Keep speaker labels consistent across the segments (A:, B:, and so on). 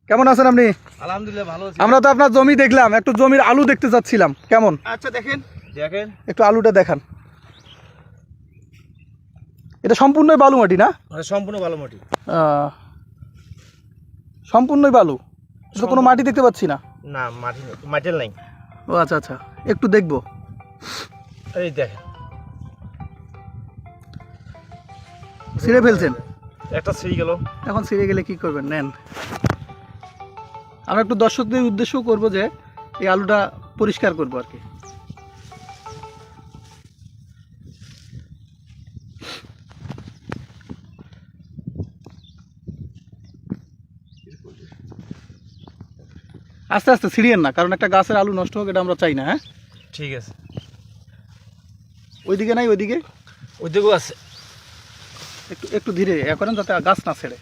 A: কেমন আছেন আপনি?
B: আলহামদুলিল্লাহ ভালো আছি।
A: আমরা তো আপনার জমি দেখলাম, একটু জমির আলু দেখতে চাচ্ছিলাম, কেমন?
B: আচ্ছা দেখেন দেখেন
A: একটু আলুটা দেখান। এটা সম্পূর্ণই বালু মাটি না?
B: সম্পূর্ণ ভালো মাটি।
A: সম্পূর্ণই বালু, এটা কোনো মাটি দেখতে পাচ্ছি না।
B: না মাটি নেই, মাটির নাই।
A: ও আচ্ছা আচ্ছা, একটু দেখবো।
B: এই দেখেন
A: ছিঁড়ে ফেলছেন?
B: একটা ছিঁড়ে গেল।
A: এখন ছিঁড়ে গেলে কি করবেন? নেন, আমরা একটু দর্শকদের উদ্দেশ্যও করবো যে এই আলুটা পরিষ্কার করবো আর কি। আস্তে আস্তে ছিঁড়িয়েন না, কারণ একটা গাছের আলু নষ্ট হোক এটা আমরা চাই না। হ্যাঁ
B: ঠিক আছে।
A: ওইদিকে নাই, ওইদিকে
B: ওইদিকেও আছে।
A: একটু একটু ধীরে এ করেন যাতে গাছ না ছেড়ে।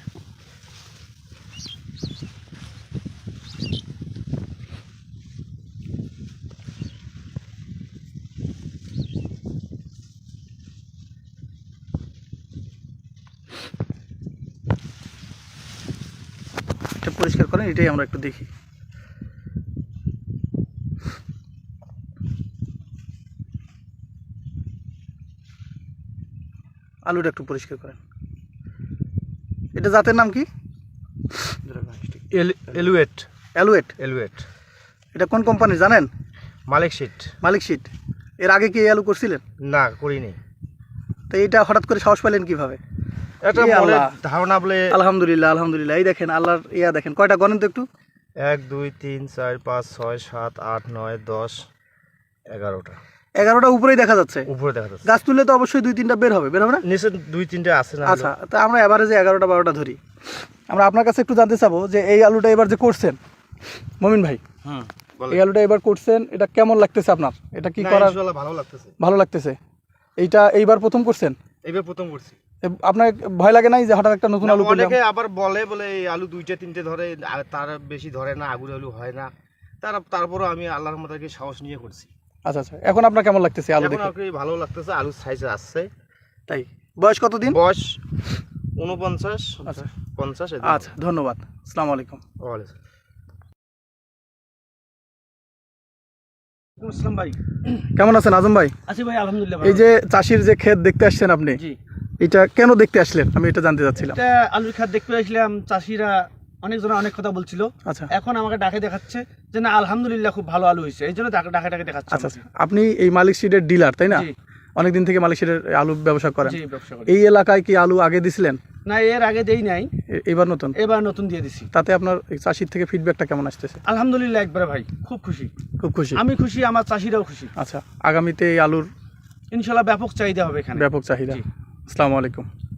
A: এটা পরিষ্কার করেন, এটাই আমরা একটু দেখি। আলুটা একটু পরিষ্কার করেন। এটা জাতের নাম কি?
B: এলুয়েট।
A: অ্যালুয়েট।
B: এলুয়েট।
A: এটা কোন কোম্পানি জানেন?
B: মালিক সিট।
A: মালিক সিট। এর আগে কি এই আলু করছিলেন?
B: না করিনি।
A: তো এইটা হঠাৎ করে সাহস পেলেন কিভাবে?
B: একটা মনে ধারণা বলে।
A: আলহামদুলিল্লাহ আলহামদুলিল্লাহ। এই দেখেন আল্লাহর ইয়া দেখেন, কয়টা গণেন তো একটু।
B: 1 2 3 4 5 6 7 8 9 10 11টা।
A: 11টা উপরেই দেখা যাচ্ছে।
B: উপরে দেখা যাচ্ছে।
A: গাছ তুললে তো অবশ্যই 2-3টা বের হবে, বের হবে না?
B: নিচে 2 3টে আছে না?
A: আচ্ছা, তা আমরা এভারেজে 11টা 12টা ধরি। আমরা আপনার কাছে একটু জানতে চাবো যে এই আলুটা এবার যে করছেন মমিন ভাই, এই আলুটা এবার করছেন, এটা কেমন লাগতেছে আপনার? এটা কি করার
B: ইনশাআল্লাহ ভালো লাগতেছে।
A: ভালো লাগতেছে? এইটা এইবার প্রথম করছেন?
B: এইবার প্রথম করছি।
A: আপনার ভয় লাগে নাই যে হঠাৎ একটা নতুন আলু করলাম?
B: অনেকে আবার বলে এই আলু 2টা 3টে ধরে, আর তার বেশি ধরে না, আগুর আলু হয় না। তারপরও আমি আল্লাহর রহমতে সাহস নিয়ে করছি।
A: আচ্ছা আচ্ছা, এখন আপনার কেমন লাগতেছে আলু
B: এখন
A: দেখে?
B: আপনি ভালো লাগতেছে, আলুর সাইজ আসছে।
A: তাই? বয়স কতদিন?
B: বয়স 49
A: আচ্ছা
B: 50।
A: আচ্ছা, ধন্যবাদ। আসসালামু আলাইকুম।
B: আসসালাম ভাই।
A: কেমন আছেন আজম ভাই?
B: আছি ভাই আলহামদুলিল্লাহ।
A: এই যে চাষির যে ক্ষেত দেখতে আসছেন আপনি,
B: জি,
A: এটা কেন দেখতে আসলেন আমি এটা জানতে চাচ্ছিলাম।
B: এটা আলুর ক্ষেত দেখতে আসলাম। চাষিরা অনেকজন অনেক কথা বলছিল।
A: আচ্ছা
B: এখন আমাকে ডাকে দেখাচ্ছে যে না আলহামদুলিল্লাহ খুব ভালো আলু হয়েছে, এই জন্য ডাকে দেখাচ্ছে।
A: আচ্ছা আচ্ছা, আপনি এই মালিক সিডের ডিলার তাই না?
B: জি
A: অনেকদিন থেকে মালিক সিডের আলু ব্যবসা করেন।
B: জি, ব্যবসা করি।
A: এই এলাকায় কি আলু আগে দিছিলেন?
B: না এর আগে দেই নাই,
A: এবার নতুন?
B: এবার নতুন দিয়ে দিছি।
A: তাতে আপনার এই চাষির থেকে ফিডব্যাকটা কেমন আসতেছে?
B: আলহামদুলিল্লাহ একবারে ভাই খুব খুশি।
A: খুব খুশি?
B: আমি খুশি, আমার চাষিরাও খুশি।
A: আচ্ছা, আগামীতে এই আলুর
B: ইনশাল্লাহ ব্যাপক চাহিদা হবে এখানে।
A: ব্যাপক চাহিদা।
B: জি।
A: আসসালামু আলাইকুম।